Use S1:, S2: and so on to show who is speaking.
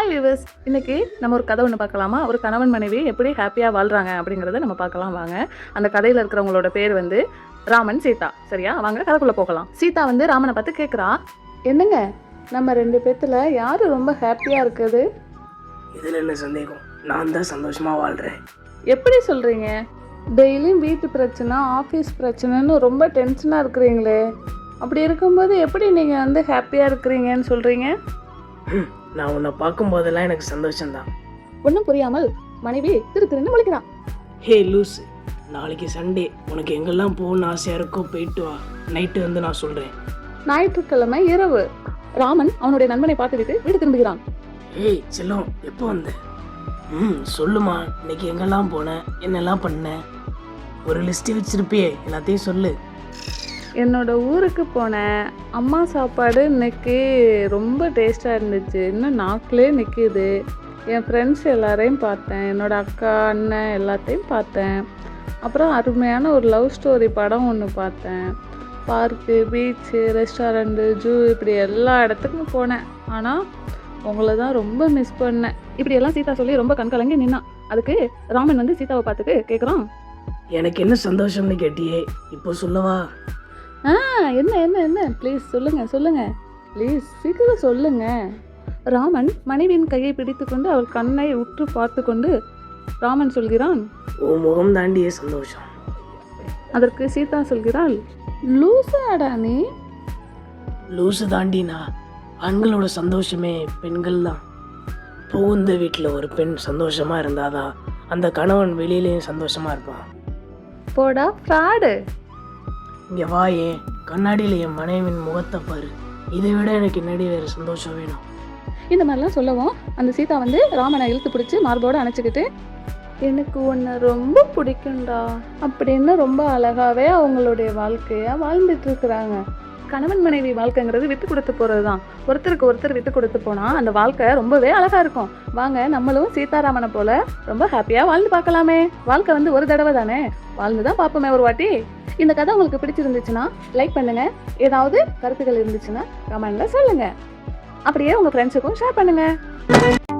S1: Hi viewers, இன்னைக்கு நம்ம ஒரு கதை ஒன்று பார்க்கலாமா? ஒரு கணவன் மனைவி எப்படி ஹாப்பியாக வாழ்கிறாங்க அப்படிங்கிறத நம்ம பார்க்கலாம் வாங்க. அந்த கதையில் இருக்கிறவங்களோட பேர் வந்து ராமன், சீதா. சரியா? வாங்க கதைக்குள்ளே போகலாம். சீதா வந்து ராமனை பார்த்து கேட்குறா, என்னங்க நம்ம 2 பேர்த்துல யார் ரொம்ப ஹாப்பியாக இருக்குது?
S2: இதில் என்ன சந்தேகம்? நான் தான் சந்தோஷமாக வாழ்கிறேன்.
S1: எப்படி சொல்கிறீங்க? டெய்லியும் வீட்டு பிரச்சனை, ஆஃபீஸ் பிரச்சனைன்னு ரொம்ப டென்ஷனாக இருக்கிறீங்களே. அப்படி இருக்கும்போது எப்படி நீங்கள் வந்து ஹாப்பியாக இருக்கிறீங்கன்னு சொல்கிறீங்க?
S2: நான் உன்னை பார்க்கும்போதெல்லாம் எனக்கு சந்தோஷம்தான்.
S1: ஒன்றும் புரியாமல் மனைவி திருன்னு முழிக்கிறான்.
S2: ஹே லூஸ், நாளைக்கு சண்டே, உனக்கு எங்கெல்லாம் போகணும்னு ஆசையாக இருக்கோ போயிட்டு வா. நைட்டு வந்து நான் சொல்கிறேன்.
S1: ஞாயிற்றுக்கிழமை இரவு ராமன் அவனுடைய நண்பனை பார்த்துவிட்டு வீடு திரும்புகிறான்.
S2: ஏய் செல்லம், எப்போ வந்த? சொல்லுமா, இன்னைக்கு எங்கெல்லாம் போனேன், என்னெல்லாம் பண்ணேன்? ஒரு லிஸ்ட்டு வச்சிருப்பியே, எல்லாத்தையும் சொல்லு.
S1: என்னோட ஊருக்கு போனேன். அம்மா சாப்பாடு இன்னைக்கு ரொம்ப டேஸ்ட்டாக இருந்துச்சு. இன்னும் நாக்கிலே நிற்கிது. என் ஃப்ரெண்ட்ஸ் எல்லாரையும் பார்த்தேன். என்னோட அக்கா, அண்ணன் எல்லாத்தையும் பார்த்தேன். அப்புறம் அருமையான ஒரு லவ் ஸ்டோரி படம் ஒன்று பார்த்தேன். பார்க்கு, பீச்சு, ரெஸ்டாரண்ட்டு, ஜூ, இப்படி எல்லா இடத்துக்கும் போனேன். ஆனால் உங்களை தான் ரொம்ப மிஸ் பண்ணேன். இப்படியெல்லாம் சீதா சொல்லி ரொம்ப கண்கலங்கி நின்னான். அதுக்கு ராமன் வந்து சீதாவை பார்த்துட்டு கேட்குறான்,
S2: எனக்கு என்ன சந்தோஷம்னு கேட்டியே, இப்போ சொல்லவா?
S1: என்ன என்ன என்ன ப்ளீஸ் சொல்லுங்க ப்ளீஸ் சீக்கிரம் சொல்லுங்க. ராமன் மனைவியின் கையை பிடித்து கொண்டு அவள் கண்ணை உற்று பார்த்து கொண்டு ராமன் சொல்கிறான்,
S2: உன் முகம் தாண்டியே சந்தோஷம்.
S1: அதற்கு சீதா சொல்கிறாள், லூசாடா நீ?
S2: லூசு தாண்டினா, ஆண்களோட சந்தோஷமே பெண்கள் தான். புகுந்த வீட்டில் ஒரு பெண் சந்தோஷமா இருந்தாதான் அந்த கணவன் வெளியிலேயும் சந்தோஷமா இருப்பான்.
S1: போடா ஃப்ராடு.
S2: இங்கே வா, ஏன் கண்ணாடியில் என் மனைவின் முகத்தை பாரு. இதை விட எனக்கு என்னடி வேறு சந்தோஷம் வேணும்?
S1: இந்த மாதிரிலாம் சொல்லவும் அந்த சீதா வந்து ராமனை இழுத்து பிடிச்சி மார்போடு அணைச்சிக்கிட்டு, எனக்கு உன்னை ரொம்ப பிடிக்கும்டா அப்படின்னு ரொம்ப அழகாவே அவங்களுடைய வாழ்க்கையா வாழ்ந்துட்டு இருக்கிறாங்க. கணவன் மனைவி வாழ்க்கைங்கிறது விட்டு கொடுத்து போகிறது தான். ஒருத்தருக்கு ஒருத்தர் விட்டு கொடுத்து போனால் அந்த வாழ்க்கை ரொம்பவே அழகாக இருக்கும். வாங்க நம்மளும் சீதாராமனை போல ரொம்ப ஹாப்பியாக வாழ்ந்து பார்க்கலாமே. வாழ்க்கை வந்து ஒரு தடவை தானே, வாழ்ந்து தான் பார்ப்போமே ஒரு வாட்டி. இந்த கதை உங்களுக்கு பிடிச்சிருந்துச்சுன்னா லைக் பண்ணுங்க. ஏதாவது கருத்துக்கள் இருந்துச்சுன்னா கமெண்ட்ல சொல்லுங்க. அப்படியே உங்க ஃப்ரெண்ட்ஸுக்கும் ஷேர் பண்ணுங்க.